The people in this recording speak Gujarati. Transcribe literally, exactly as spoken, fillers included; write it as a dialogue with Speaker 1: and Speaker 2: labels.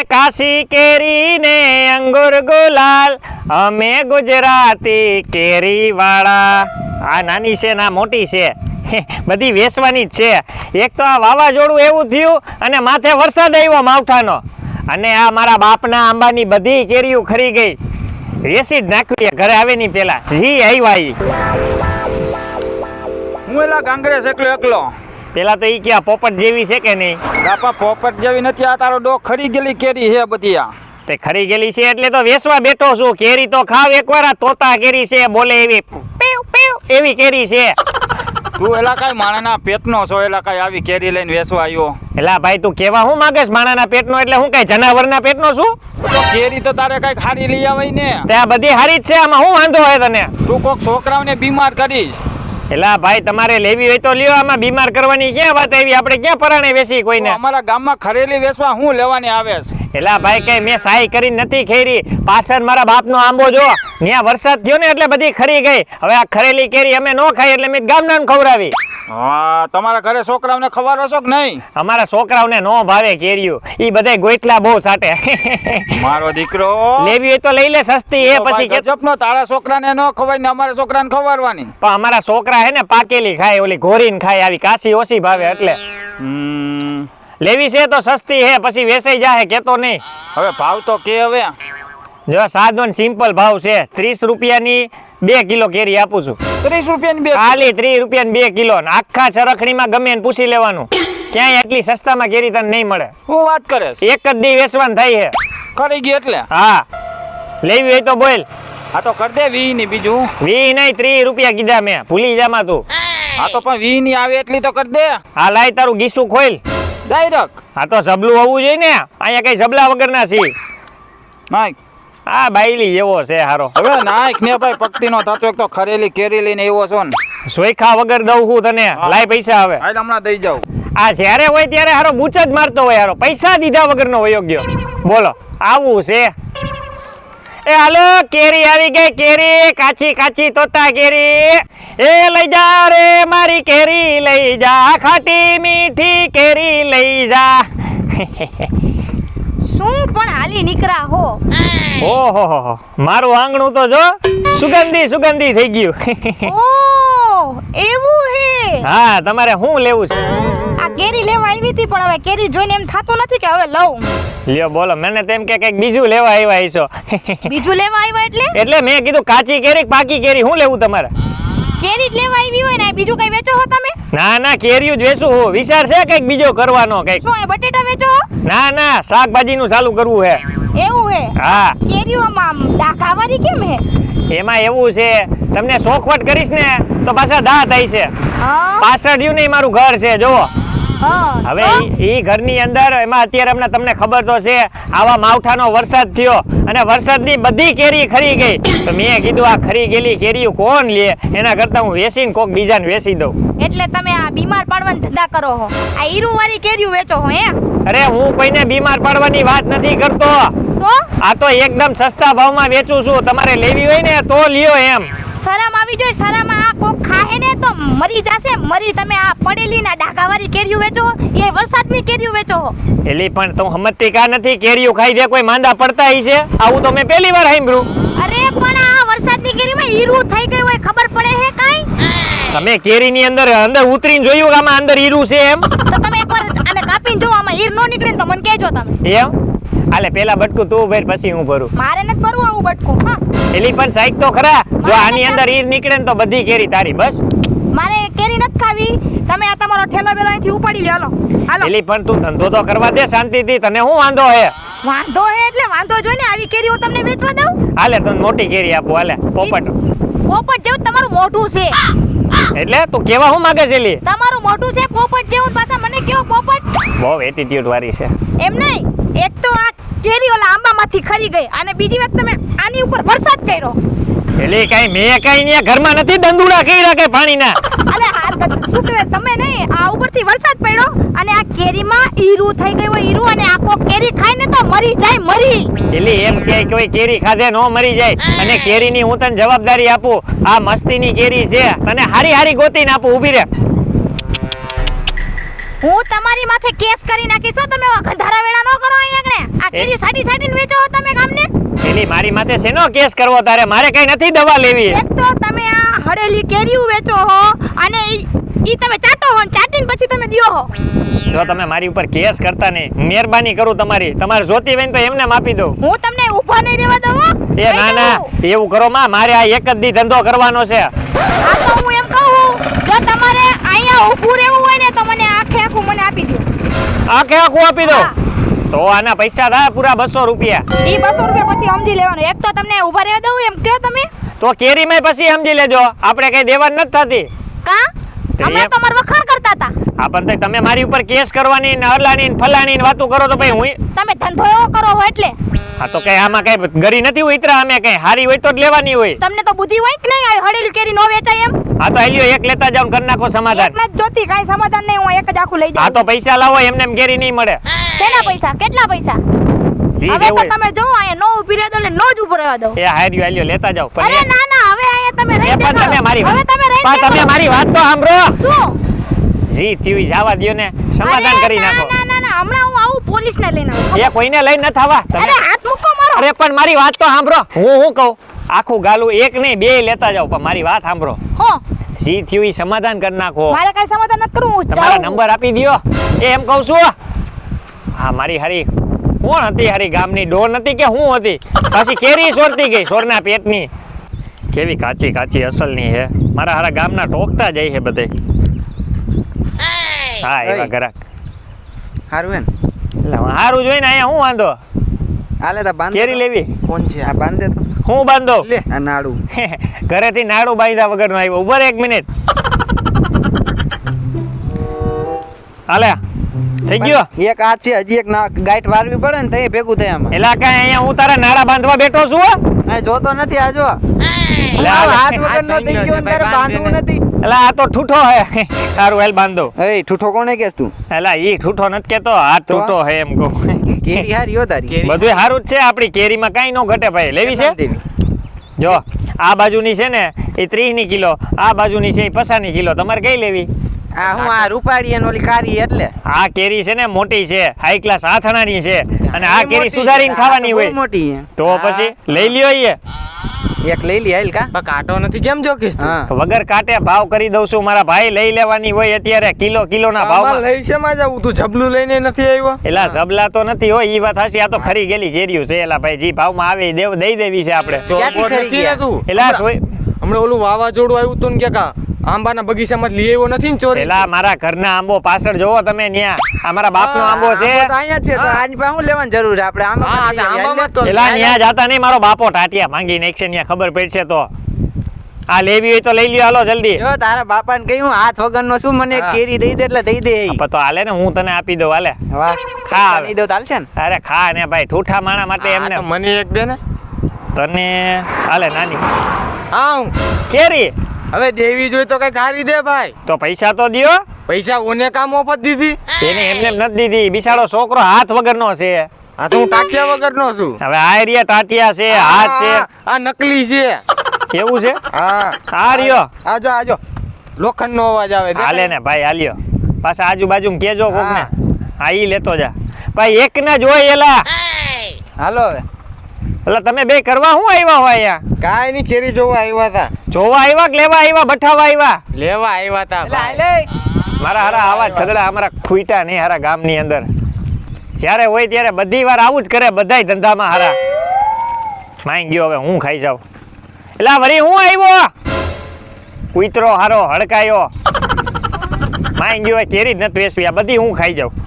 Speaker 1: કાશી કેરી ને અંગુર ગુલાલ, અમે ગુજરાતી કેરી વાળા. આ નાની છે ના મોટી છે, બધી વેચવાની જ છે. એક તો આ વાવાઝોડું એવું થયું અને માથે વરસાદ આવ્યો માવઠાનો, અને આ મારા બાપના આંબાની બધી કેરીઓ ખરી ગઈ. વેચી જ નાખવી ઘરે આવે ની પેલા જી આવ્યા ઈ.
Speaker 2: હું એલા કાંગ્રેસ એકલો એકલો.
Speaker 1: પેલા તો ઈ ક્યાં પોપટ જેવી છે કે નહીં?
Speaker 2: બાપા પોપટ જેવી નથી, આ તારો ડોક ખરી ગયેલી કેરી છે બધી. આ
Speaker 1: તે ખરી ગયેલી છે એટલે તો વેચવા બેઠો છું. કેરી તો ખાવ એકવાર. આ તોતા કેરી છે, બોલે એવી પીવ પીવ એવી કેરી છે.
Speaker 2: તું એલા કઈ માણાના પેટનો છો, એલા કઈ આવી કેરી લઈને વેચવા આવ્યો?
Speaker 1: એલા ભાઈ તું કેવા હું માંગેશ માણાના પેટનો? એટલે હું કઈ જનાવરના પેટનો છું?
Speaker 2: તો કેરી તો તારે કઈ ખારી લઈ આવાય ને.
Speaker 1: તે આ બધી હારી જ છે, આમાં હું વાંધો હોય તને?
Speaker 2: તું કોક છોકરાઓને બીમાર કરીશ.
Speaker 1: એલા ભાઈ તમારે લેવી હોય તો લ્યો, આમાં બીમાર કરવાની ક્યાં વાત આવી? આપણે ક્યાં પરાણે વેચી કોઈને?
Speaker 2: અમારા ગામમાં ખરેલી વેચવા હું લેવાની આવે છે?
Speaker 1: એલા ભાઈ કઈ મેં સહાય કરી નથી ખેરી. પાછળ મારા બાપનો આંબો જો, ત્યાં વરસાદ થયો ને એટલે બધી ખરી ગઈ. હવે આ ખરેલી કેરી અમે ન ખાઈ એટલે મેં ગામના ખવડાવી.
Speaker 2: હા, તમારા ઘરે છોકરાઓને ખવારો છો કે નહીં?
Speaker 1: અમારા છોકરાઓને નો ભાવે કેરીઓ, ઈ બધાય ગોઈટલા બહુ સાટે.
Speaker 2: મારો દીકરો
Speaker 1: લેવી હોય તો લઈ લે, સસ્તી હે. પછી કે
Speaker 2: ગજબનો તારા છોકરાને ન ખવાય ને અમારા છોકરાને ખવારવાની.
Speaker 1: પણ અમારા છોકરા હે ને પાકેલી ખાય, ઓલી ઘોરીને ખાય, આવી કાશી ઓછી ભાવે. એટલે
Speaker 2: હમ
Speaker 1: લેવી છે તો સસ્તી હે, પછી વેચાઈ જાહે, કેતો નહીં.
Speaker 2: હવે ભાવ તો કે હવે
Speaker 1: જો સાદો સિમ્પલ ભાવ છે. ત્રીસ રૂપિયાની બે કિલો કેરી આપું છું.
Speaker 2: ત્રીસ રૂપિયાની બે?
Speaker 1: ખાલી ત્રીસ રૂપિયાની બે કિલો. આખા ચરખડીમાં ગમે એને પૂછી લેવાનું, ક્યાંય એટલી સસ્તામાં કેરી તને નહીં મળે.
Speaker 2: હું વાત કરે?
Speaker 1: એક જ દી વેચવાનું થાય છે.
Speaker 2: કરી ગઈ એટલે?
Speaker 1: હા, લેવી હોય તો બોલ.
Speaker 2: હા તો કર દે વી ની. બીજું
Speaker 1: વી નહીં, ત્રીસ રૂપિયા કીધા મેં, ભૂલી જામાં તું.
Speaker 2: હા તો પણ વી ની આવે એટલી તો કર દે.
Speaker 1: હા લાય તારું ગીસું ખોલ.
Speaker 2: ડાયરેક્ટ?
Speaker 1: હા તો જબલું હોવું જોઈએ ને, અહીંયા કઈ જબલા વગરના છે.
Speaker 2: નાખ.
Speaker 1: હા બાયલી જેવો છે હારો.
Speaker 2: હવે નાખ ને ભાઈ, પક્તિ નો થતો. એક તો ખરેલી કેરી લઈને એવો છો ને,
Speaker 1: સોયખા વગર દઉં હું તને. લાય પૈસા હવે.
Speaker 2: હાલ હમણાં દઈ જાઉં.
Speaker 1: આ જ્યારે હોય ત્યારે હારો બૂચ જ મારતો હોય હારો, પૈસા દીધા વગરનો વયો ગયો. બોલો આવું છે? એ હાલો કેરી આવી ગઈ, કેરી કાચી કાચી તોતા કેરી. એ લઈ જા રે મારી કેરી લઈ જા, ખાટી મીઠી કેરી લઈ જા.
Speaker 3: શું પણ હાલી નીકળા હો?
Speaker 1: ઓહો હો હો, મારું આંગણું તો જો સુગંધી સુગંધી થઈ ગયું.
Speaker 3: ઓ એવું હે?
Speaker 1: હા, તમારે શું લેવું છે?
Speaker 3: આ કેરી લેવા આવી હતી, પણ હવે કેરી જોઈને એમ થાતું નથી કે હવે લઉં.
Speaker 1: લ્યો બોલો, મને તેમ કે કઈક બીજું લેવા આવ્યા છો.
Speaker 3: બીજું લેવા આવ્યા એટલે?
Speaker 1: એટલે મેં કીધું કાચી કેરી પાકી કેરી શું લેવું તમારે?
Speaker 3: કેરી જ લેવા આવી હોય ને, બીજું કઈ વેચો હો તમે?
Speaker 1: ના ના, કેરીયું જ વેચું હું. વિચાર છે કઈક બીજો કરવાનો કઈક?
Speaker 3: શું એ બટેટા વેચો?
Speaker 1: ના ના, શાકભાજી નું ચાલુ કરવું હે.
Speaker 3: એવું હે?
Speaker 1: હા.
Speaker 3: કેરીઓમાં આમ ડાઘાવાળી કેમ હે?
Speaker 1: એમાં એવું છે, તમને શોખવટ કરીશ ને તો પાછા દાંત આવી છે.
Speaker 3: હા
Speaker 1: પાછળ રહ્યું નહીં મારું ઘર છે જોવો.
Speaker 3: હા.
Speaker 1: હવે ઈ ઘરની અંદર એમાં અત્યારે હમણાં તમને ખબર તો છે, આવા માવઠાનો વરસાદ થયો અને વરસાદની બધી કેરી ખરી ગઈ. તો મેં કીધું આ ખરી ગયેલી કેરીઓ કોણ લે, એના કરતા હું વેચીને કોક બીજાને વેચી દઉં.
Speaker 3: એટલે તમે આ બીમાર પાડવાનો ધંધા કરો હો? આ ઈરુ વાળી કેરીઓ વેચો હો એમ?
Speaker 1: અરે હું કોઈને બીમાર પાડવાની વાત નથી કરતો.
Speaker 3: તો
Speaker 1: આ તો એકદમ સસ્તા ભાવમાં વેચું છું. તમારે લેવી હોય ને તો લ્યો એમ.
Speaker 3: શરમ આવી જોઈએ. શરમ આ કોક ખાહે ને તો મરી જાશે. મરી તમે આ પડેલી ના ડાઘાવાળી કેરીઓ વેચો, એ વરસાદની કેરીઓ વેચો હો?
Speaker 1: એલી પણ તું સમજતી કા નથી? કેરીઓ ખાઈ દે કોઈ માંદા પડતા હઈ છે? આવું તો મેં પહેલી વાર સાંભળ્યું.
Speaker 3: અરે પણ આ વરસાદની કેરીમાં ઈરું થઈ ગઈ હોય ખબર પડે હે કાઈ?
Speaker 1: તમે કેરીની અંદર અંદર ઉતરીને જોયું કે આમાં અંદર ઈરું છે એમ?
Speaker 3: તો તમે એકવાર આને કાપીને જો, આમાં ઈર નો નીકળે ને તો મને કહેજો તમે.
Speaker 1: એમ? હાલે પેલા બટકું તું ભર, પછી હું ભરું.
Speaker 3: મારે નથી ભરવું આવું બટકું. હા
Speaker 1: એલી પણ સાઈક તો ખરા, જો આની અંદર ઈર નીકળે ને તો બધી કેરી તારી. બસ
Speaker 3: મારે કેરી નથી ખાવી. તમે આ તમારો ઠેલો બેલો અહીંથી ઉપાડી લ્યો. હાલો હાલો.
Speaker 1: એલી પણ તું ધંધો તો કરવા દે શાંતિથી. તને શું વાંધો હે?
Speaker 3: વાંધો હે એટલે વાંધો જોઈને આવી કેરી હું તમને વેચવા દઉં?
Speaker 1: હાલે તને મોટી કેરી આપું. હાલે પોપટ.
Speaker 3: પોપટ જેવું તમારું મોઢું છે.
Speaker 1: એટલે તું કેવા શું માંગે છે? એલી
Speaker 3: તમારું મોઢું છે પોપટ જેવું, પાછા મને કેવો પોપટ?
Speaker 1: બહુ એટીટ્યુડ વાળી છે.
Speaker 3: એમ નહીં, એક તો આ કેરી ઓલા આંબામાંથી ખરી ગઈ, અને બીજી વાત તમે આની ઉપર વરસાદ કર્યો.
Speaker 1: એલી કઈ મેં કઈ ને ઘરમાં નથી દંદુડા કર્યા કે પાણીના?
Speaker 3: અલે હા શું કહેવાય, તમે નહીં, આ ઉપરથી વરસાદ પડ્યો અને આ કેરીમાં ઈરું થઈ ગયું હોય. ઈરું અને આખો કેરી ખાઈને તો મરી જાય, મરી.
Speaker 1: એલી એમ કે કોઈ કેરી ખાધે નો મરી જાય. અને કેરીની હું તને જવાબદારી આપું. આ મસ્તીની કેરી છે, તને હારી હારી ગોતીને આપું. ઊભી રે.
Speaker 3: હું તમારી માથે કેસ કરી નાખીશ હો, તમે ગંધારા વેળા ન કરો અહીંયા આગળ. આ કેરી સાડી સાડીને વેચો છો તમે ગામને.
Speaker 1: પેલી મારી માથે શેનો કેસ કરવો તારે? મારે કઈ નથી દવા લેવી.
Speaker 3: એક તો તમે આ હળેલી કેરીઓ વેચો હો અને ઈ ઈ તમે ચાટો હો ને ચાટીને પછી તમે દ્યો હો.
Speaker 1: જો તમે મારી ઉપર કેસ કરતા નહીં, મહેરબાની કરું તમારી. તમારે જોતી હોય ને તો એમને આપી દઉં.
Speaker 3: હું તમને ઊભા નહીં રહેવા દઉં હો.
Speaker 1: એ ના ના, એવું કરો માં, મારે આ એક જ દી ધંધો કરવાનો છે.
Speaker 3: આ તો હું એમ કહું, જો તમારે અહીંયા ઊભું રહેવું હોય ને તો મને આખે આખું મને આપી દો.
Speaker 1: આખે આખું આપી દો
Speaker 3: હા.
Speaker 1: તો આના પૈસા થાય પૂરા બસો રૂપિયા.
Speaker 3: ઈ બસો રૂપિયા પછી સમજી લેવાનું. એક તો તમને ઊભા રહેવા દઉં એમ કહો તમે.
Speaker 1: તો કેરીમાં પછી સમજી લેજો, આપણે કઈ દેવાની નથી થતી.
Speaker 3: કા
Speaker 1: તો
Speaker 3: અમે
Speaker 1: એમ-
Speaker 3: તમાર વખાણ કરતા હતા.
Speaker 1: આ પણ તઈ તમે મારી ઉપર કેસ કરવાની ને અરલાની ને ફલાની ને વાતું કરો તો ભાઈ હું
Speaker 3: તમે ધંધો એવો કરો હો એટલે.
Speaker 1: આ તો કઈ આમાં કઈ ગરી નથી ઉતરા. અમે કઈ હારી હોય તો જ લેવાની હોય.
Speaker 3: તમને તો બુદ્ધિ હોય કે નહીં? આવી હળેલી કેરી નો વેચાય એમ.
Speaker 1: આ તો આલ્યો એક લેતા જાવ કરી નાખો સમાધાન.
Speaker 3: એકલા જ જોતી કાંઈ સમાધાન નહીં, હું એક જ આખું લઈ
Speaker 1: આ
Speaker 3: જાઉં.
Speaker 1: તો પૈસા લાવો, એમને એમ કેરી નહીં મળે.
Speaker 3: શેના પૈસા? કેટલા પૈસા?
Speaker 1: જી
Speaker 3: હવે
Speaker 1: દેવું
Speaker 3: તો તમે જો અહીંયા નો ઊભી રહેતો એટલે નો જ ઊભો રહેવા દો.
Speaker 1: એ હાર્યો આલ્યો લેતા જાવ.
Speaker 3: અરે
Speaker 1: પણ
Speaker 3: ના ના, હવે અહીંયા તમે
Speaker 1: એ
Speaker 3: રહી
Speaker 1: પણ તમે મારી
Speaker 3: હવે
Speaker 1: વાત
Speaker 3: તમે રહી
Speaker 1: પણ તમે મારી વાત તો સાંભળો.
Speaker 3: શું?
Speaker 1: જી થયું જવા દ્યો ને, સમાધાન
Speaker 3: અરે
Speaker 1: કરી
Speaker 3: ના,
Speaker 1: નાખો.
Speaker 3: ના ના ના, હમણાં હું આવું પોલીસને લઈને આવું.
Speaker 1: એ કોઈને લઈને ન થવા તમે.
Speaker 3: અરે હાથ મૂકો મારો.
Speaker 1: અરે પણ મારી વાત તો સાંભળો. હું હું કહું, આખું ગાલું એક નહીં બે લેતા જાવ, પણ મારી વાત સાંભળો.
Speaker 3: હો,
Speaker 1: જી થયું ઈ સમાધાન કરી નાખો.
Speaker 3: મારે કાંઈ સમાધાન નથી કરવું, હું
Speaker 1: તમારા
Speaker 3: જાઉં.
Speaker 1: નંબર આપી દ્યો. એ એમ કહું છું. હા મારી હારી કોણ હતી? હારી ગામની ડોર નથી કે હું હતી? પાછી કેરી સોરતી ગઈ સોરના પેટની. કેવી કાચી કાચી અસલની હે. મારા હારા ગામના ટોકતા જાય છે બધે. હા એવા
Speaker 4: એય.
Speaker 1: ઘરાક.
Speaker 4: હારું હે ને
Speaker 1: એટલે હારું જોઈને અહીંયા હું વાંધો?
Speaker 4: હાલે તા બાંધ
Speaker 1: કેરી લેવી?
Speaker 4: કોણ છે આ બાંધે તો
Speaker 1: હું બાંધો?
Speaker 4: લે આ નાડું
Speaker 1: ઘરેથી નાડું બાંધ્યા વગરનો આવ્યો. ઉભો રહે એક મિનિટ. હાલે થઈ ગયો.
Speaker 4: એક આ છે હજી એક ના ગાંઠ વારવી પડે ને તો એ ભેગું થાય આમાં
Speaker 1: એલા કાંઈ અહીંયા હું તારા નાડા બાંધવા બેઠો છું હો?
Speaker 4: આ જોતો નથી આ જો
Speaker 1: લે,
Speaker 4: આ
Speaker 1: લે.
Speaker 4: હાથ વગર નો થઈ ગયો ને તારે બાંધવું નથી
Speaker 1: એલા આ તો ઠૂઠો હે. સારું હેલ બાંધો.
Speaker 4: એય ઠૂઠો કોને કેસ તું
Speaker 1: એલા ઈ ઠૂઠો નથી કેતો, હાથ
Speaker 4: તો?
Speaker 1: ઠૂઠો હે એમ કહું.
Speaker 4: કેરી હારી હો તારી
Speaker 1: બધુંય હારું જ છે. આપણી કેરીમાં કાંઈ નો ઘટે ભાઈ. લેવી છે? જો આ બાજુની છે ને એ ત્રીસ ની કિલો, આ બાજુની છે એ પચાસ ની કિલો. તમારે કઈ લેવી?
Speaker 4: આ હું આ રૂપાળી અને ઓલી કારી એટલે
Speaker 1: આ કેરી છે ને મોટી છે, હાઈ ક્લાસ આથણાની છે, અને આ
Speaker 4: એ
Speaker 1: કેરી
Speaker 4: મોટી
Speaker 1: સુધારીને
Speaker 4: છે, આ
Speaker 1: ખાવાની
Speaker 4: તો બહુ
Speaker 1: હોય.
Speaker 4: મોટી છે.
Speaker 1: તો પછી લઈ લ્યો. એ
Speaker 4: એક લઈ લી હાલ કા
Speaker 2: કાંટો નથી કેમ જોકીશ તું?
Speaker 4: હા
Speaker 1: વગર કાંટે ભાવ કરી દઉં છું મારા ભાઈ. લઈ લેવાની હોય અત્યારે કિલો કિલો ના
Speaker 2: આમાં
Speaker 1: ભાવમાં.
Speaker 2: લઈ છે માં જાવું? તું જબલું લઈને નથી આવ્યો?
Speaker 1: એલા ઝબલા તો નથી હોય, ઈ વાત હાચી. આ તો ખરી ગયેલી કેરીઓ છે. એલા ભાઈ જી ભાવમાં આવે ઈ દેવ દઈ દેવી છે આપણે.
Speaker 4: ક્યાંથી
Speaker 2: ચોરબોર
Speaker 4: ખરી
Speaker 2: નથી ને
Speaker 4: ગયા?
Speaker 2: તું?
Speaker 1: એલા સોય
Speaker 2: હમણાં ઓલું વાવાઝોડું આવ્યું તું ને કે કા આંબાના બગીચામાં લઈ આવ્યો નથી ને ચોરી?
Speaker 1: પેલા મારા ઘરના આંબો પાછળ જોવો તમે ન્યા. આ મારા બાપનો આંબો છે.
Speaker 4: આંબો તો અહીંયા જ છે તો આની પાસે હું લેવાની જરૂર છે આપણે આંબા
Speaker 2: હા,
Speaker 4: પાસે
Speaker 2: તો
Speaker 4: લઈ
Speaker 2: આંબામાં
Speaker 4: આવીએ.
Speaker 2: તો
Speaker 1: એલા ન્યા જાતા નહીં, મારો બાપો ટાટિયા માંગી નાખશે ન્યા, ખબર પડશે તો. આ લેવી હોય તો લઈ લ્યો, હાલો જલ્દી.
Speaker 4: જો તારા બાપાને કહ્યું હાથ વગરનો શું મને એક
Speaker 2: હા.
Speaker 4: કેરી દઈ દે એટલે દઈ દે એ.
Speaker 1: પણ તો હાલે ને, હું તને આપી દઉં. હાલે
Speaker 4: વાહ
Speaker 1: ખા હવે.
Speaker 4: દઈ દઉં તો હાલશે ને
Speaker 1: અરે ખા ને ભાઈ, ઠૂઠા માણા માટે
Speaker 2: હા,
Speaker 1: એમને
Speaker 2: તો મને એક દે ને.
Speaker 1: તને હાલે નાની
Speaker 2: હા હું
Speaker 1: કેરી.
Speaker 2: હવે દેવી જોઈ તો કઈ હારી દે ભાઈ.
Speaker 1: તો પૈસા તો દ્યો.
Speaker 2: પૈસા ઓને કામ ઓફત દીધી?
Speaker 1: એને એમને એમ નથી દીધી. બિચારો છોકરો હાથ વગરનો છે.
Speaker 2: આ તો હું ટાંક્યા વગરનો છું.
Speaker 1: હવે આ રહ્યા ટાટિયા છે, હાથ છે.
Speaker 2: આ- આ નકલી છે.
Speaker 1: એવું છે?
Speaker 2: હા
Speaker 1: આ રહ્યો.
Speaker 2: આજો આજો લોખંડનો અવાજ આવે દેખાય?
Speaker 1: હાલે ને ભાઈ, હાલ્યો. પાછા આજુબાજુ કેજો કોક ને.
Speaker 2: હા.
Speaker 1: હા ઈ લેતો જા ભાઈ. એક ને જ હોય એલા.
Speaker 4: હાલો હવે
Speaker 1: એટલે તમે બે કરવા શું આવ્યા હોય અહીંયા?
Speaker 2: કાંઈ ની કેરી જોવા આવ્યા હતા.
Speaker 1: જોવા આવ્યા કે લેવા આવ્યા, બઠાવા આવ્યા?
Speaker 2: લેવા આવ્યા હતા
Speaker 4: એટલે
Speaker 2: ભાઈ.
Speaker 4: હાલે.
Speaker 1: મારા હારા આવાજ ખદડા અમારા ખૂઈટા નહીં હારા ગામની અંદર. જ્યારે હોય ત્યારે બધી વાર આવું જ કરે, બધાય ધંધામાં હારા. માંગ ગયો હવે હું ખાઈ જાઉં. એટલે વળી હું આવ્યો? કૂતરો હારો હડકાયો. માંગ ગયો કેરી જ નથી વેચવી, આ બધી હું ખાઈ જાઉં.